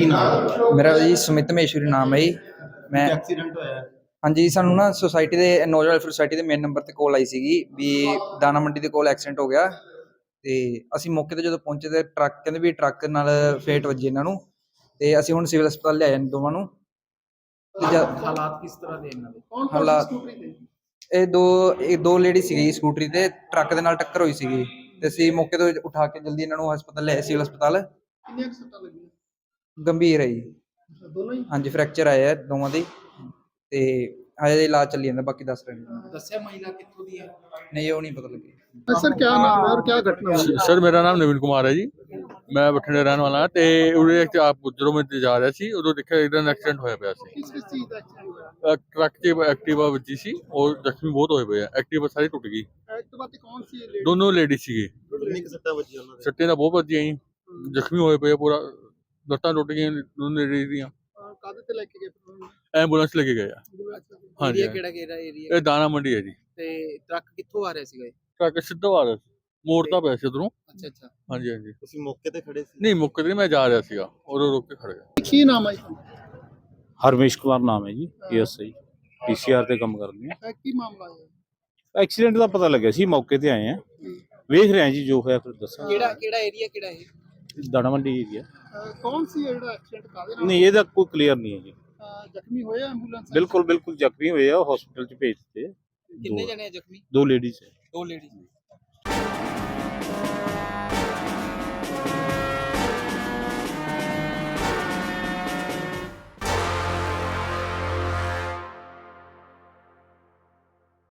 ਕੀ ਨਾਮ? ਮੇਰਾ ਜੀ ਸੁਮਿਤ ਮਹੇਸ਼ਵਰੀ ਨਾਮ ਹੈ ਜੀ। ਮੈਂ ਐਕਸੀਡੈਂਟ ਹੋਇਆ ਹੈ। ਹਾਂਜੀ, ਸਾਨੂੰ ਨਾ ਸੋਸਾਇਟੀ ਦੇ ਨੌਜਵਾਨ ਵੈਲਫੇਅਰ ਸੁਸਾਇਟੀ ਦੇ ਮੇਨ ਨੰਬਰ ਤੇ ਕਾਲ ਆਈ ਸੀਗੀ ਵੀ ਦਾਣਾ ਮੰਡੀ ਦੇ ਕੋਲ ਐਕਸੀਡੈਂਟ ਹੋ ਗਿਆ। ਤੇ ਅਸੀਂ ਮੌਕੇ ਤੇ ਜਦੋਂ ਪਹੁੰਚੇ ਤੇ ਟਰੱਕ ਕਹਿੰਦੇ ਵੀ ਟਰੱਕ ਨਾਲ ਫੇਟ ਵੱਜੀ ਇਹਨਾਂ ਨੂੰ, ਤੇ ਅਸੀਂ ਹੁਣ ਸਿਵਲ ਹਸਪਤਾਲ ਲਿਆਏ ਨੇ ਦੋਵਾਂ ਨੂੰ। ਹਾਲਾਤ ਕਿਸ ਤਰ੍ਹਾਂ ਦੇ ਇਹਨਾਂ ਦੇ? ਹਾਲਾਤ ਇਹ ਦੋ ਲੇਡੀ ਸੀਗੀ ਸਕੂਟਰੀ ਤੇ, ਟਰੱਕ ਦੇ ਨਾਲ ਟੱਕਰ ਹੋਈ ਸੀਗੀ ਤੇ ਅਸੀਂ ਮੌਕੇ ਤੋਂ ਉਠਾ ਕੇ ਜਲਦੀ ਇਹਨਾਂ ਨੂੰ ਹਸਪਤਾਲ ਲਿਆਏ, ਸਿਵਲ ਹਸਪਤਾਲ। ਕਿੰਨੀਆਂ ਕੁ ਸੱਟਾਂ ਲੱਗੀਆਂ? ਗੰਭੀਰ ਹੈ ਜੀ। ਦੋਨੋਂ ਹੀ? ਹਾਂਜੀ, ਫ੍ਰੈਕਚਰ ਆਇਆ ਹੈ ਦੋਵਾਂ ਦੇ ਤੇ ਹਜੇ ਇਲਾਜ ਚੱਲੀ ਜਾਂਦਾ, ਬਾਕੀ ਦੱਸ ਰਹੇ ਨੇ। ਦੱਸਿਆ ਮਹਿਲਾ ਕਿੱਥੋਂ ਦੀ ਹੈ? ਨਹੀਂ, ਉਹ ਨਹੀਂ ਪਤਾ ਲੱਗਿਆ। सर क्या नाम है और क्या घटना हुई? सर मेरा नाम नवीन कुमार है जी। मैं बठिंडे रहने वाला ते उरे आप गुजरों में जा रहा सी, उदों देखा एकदम एक्सीडेंट होया पिया सी। किस चीज का एक्सीडेंट हुआ? ट्रक च एक्टिवा वजी सी और जख्मी बहुत होए पे हैं। एक्टिवा सारी टुट गई। एक्टिवा ते कौन सी लेडी? दोनों लेडी सी। कितनी सट्टा बची उन्होंने? सट्टे दा बहुत वजी आई, जख्मी होए पे पूरा लत्तां टुट गई दोनों लेडी दी। कादे ते लेके गए? एंबुलेंस लेके गए। हाँ जी, एरिया केड़ा एरिया? ये दाना मंडी है जी। ਤੇ ਟਰੱਕ ਕਿੱਥੋਂ ਆ ਰਿਹਾ ਸੀਗਾ? ट्रक सीधा आ रहा मोड़ता पे सी उधरों। ਅੱਛਾ ਅੱਛਾ। हाँ जी हाँ जी। ਤੁਸੀਂ ਮੌਕੇ ਤੇ ਖੜੇ ਸੀ? नहीं मुक्के ते मैं जा रहा सीगा और रुक के खड़ गया। ਕੀ ਨਾਮ ਹੈ? ਹਰਮੇਸ਼ ਕੁਮਾਰ ਨਾਮ ਹੈ ਜੀ, ਏਐਸਆਈ ਪੀਸੀਆਰ ਤੇ ਕੰਮ ਕਰਦੇ ਆ। ਕੀ ਮਾਮਲਾ ਹੈ? ਐਕਸੀਡੈਂਟ ਦਾ ਪਤਾ ਲੱਗਿਆ ਸੀ, ਮੌਕੇ ਤੇ ਆਏ ਆ, ਵੇਖ ਰਹੇ ਆ ਜੀ ਜੋ ਹੋਇਆ ਫਿਰ ਦੱਸਾਂ। ਕਿਹੜਾ ਏਰੀਆ ਕਿਹੜਾ ਹੈ? ਦਾਣਾ ਮੰਡੀ ਏਰੀਆ। ਕੌਣ ਸੀ ਜਿਹੜਾ ਐਕਸੀਡੈਂਟ ਕਾਦੇ ਨਾਲ? ਨਹੀਂ, ਇਹਦਾ ਕੋਈ ਕਲੀਅਰ ਨਹੀਂ ਹੈ ਜੀ। ਜ਼ਖਮੀ ਹੋਇਆ ਐਂਬੂਲੈਂਸ? ਬਿਲਕੁਲ ਜ਼ਖਮੀ ਹੋਏ ਆ, ਹਸਪੀਟਲ ਚ ਭੇਜ ਦਿੱਤੇ। ਕਿੰਨੇ ਜਣੇ ਜ਼ਖਮੀ? ਦੋ ਲੇਡੀਜ਼ ਹੈ। ਦੋ ਲੇਡੀ।